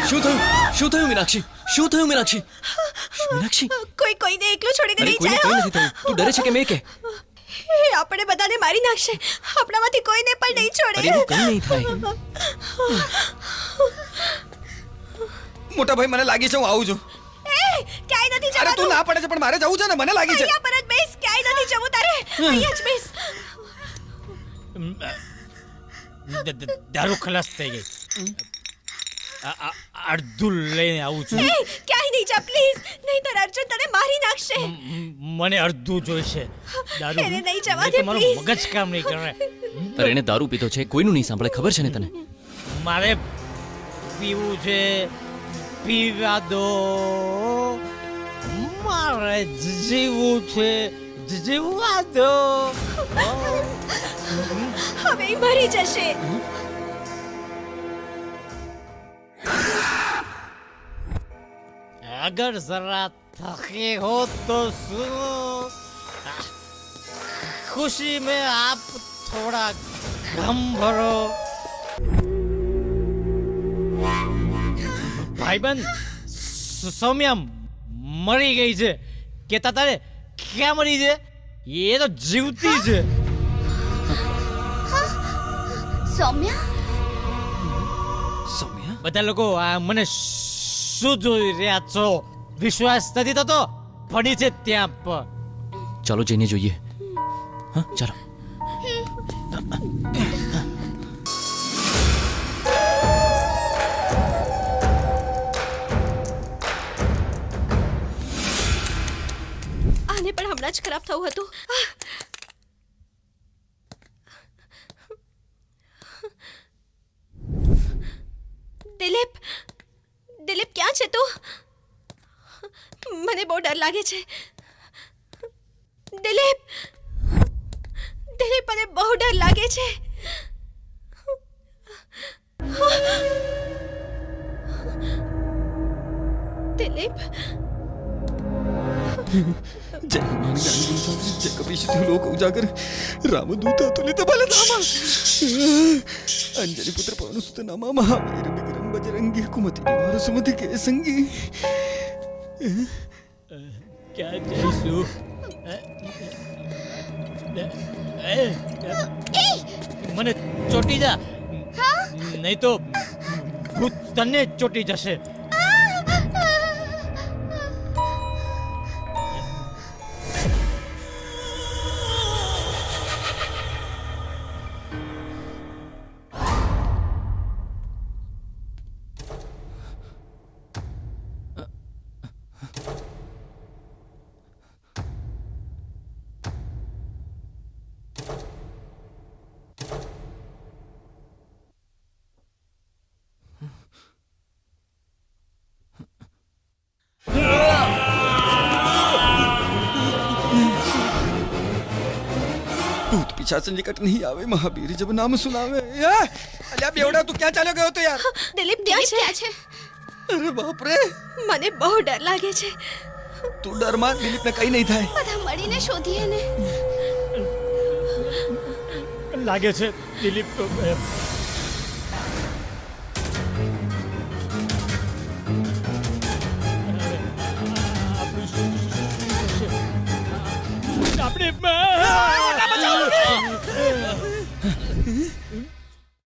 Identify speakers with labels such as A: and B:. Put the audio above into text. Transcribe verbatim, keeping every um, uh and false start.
A: શું થયું શું થયું મીનાક્ષી શું થયું મીનાક્ષી મીનાક્ષી
B: કોઈ કોઈને એકલું છોડીને
A: અરે
B: નહીં
A: કોઈને
B: જાય
A: કંઈ નથી થયું તું ડરે છે કે મેં કે
B: એ આપણે બધાને મારી નાખશે આપણામાંથી કોઈને પણ નહીં છોડે
A: અરે એવું કંઈ નહીં થાય
C: મોટા ભાઈ મને લાગી છે હું આવું છું
B: એ ક્યાંય નથી
C: અરે તું
B: જવાનું
C: ના પડે છે પણ મારે જવું છે ને મને લાગી છે
B: અહીંયા પર જ બેસ ક્યાંય નથી જવું તારે અહીંયા જ બેસ
D: દ- દ- દારૂ ખલાસ થઈ ગઈ આ- આ- અડધું લઈને આવું છું
B: એ ક્યાંય નહીં જા પ્લીઝ નહીંતર અર્જુન તને મારી નાખશે
D: મ- મને અડધું જોઈશે દારૂ
B: એને નહીં જવા
D: નહીં તો
B: દે,
D: મારું
B: please.
D: મગજ કામ નહીં કરે
A: અરે એને દારૂ પીતો છે કોઈનું નહીં સાંભળે ખબર છે ને તને
D: મારે પીવું છે પીવા દો મારે જીવવું છે જીવવા દો
B: હવે ઈ મરી જશે
D: अगर जरा थके हो तो सुनो खुशी में आप थोड़ा गम भरो भाईबंध स- सौम्या मरी गई છે કેતા તારે ક્યાં મરી છે એ તો જીવતી છે
E: સૌમ્યા
A: સૌમ્યા
D: બધા લોકો આ મને શું જોઈ રહ્યા છો વિશ્વાસ નથી થતો પડી છે ત્યાં પર
A: ચાલો જઈને જોઈએ હા ચાલો
B: આને પણ હમણાં જ ખરાબ થવું હતું આહ! દિલીપ દિલીપ ક્યાં છે તું મને બહુ ડર લાગે છે દિલીપ દિલીપ મને બહુ ડર લાગે છે દિલીપ
C: जय हनुमान ज्ञानी गुण सागर जय कपीश तिहु लोक उजागर रामदूत अतुलित बल धामा अंजनी पुत्र पवन सुत नामा महावीर विक्रम बजरंगी कुमति निवार सुमति के संगी
D: ક્યાં જઈશું મને ચોટી જા નહીં તો ભૂત તને ચોટી જશે
C: भूत पिशाच निकट नहीं आवे महावीर जब नाम सुनावे ए, अल्યા બેવડા તું ક્યાં ચાલ્યો ગયો તો યાર
B: દિલીપ ક્યાં
E: ક્યાં
B: છે
E: છે
C: અરે બાપ રે
B: મને બહુ ડર લાગે છે
C: તું ડરમાં દિલીપને કઈ નહીં થાય
E: બધા મળીને શોધીએ ને
D: લાગે છે દિલીપ તો, અ,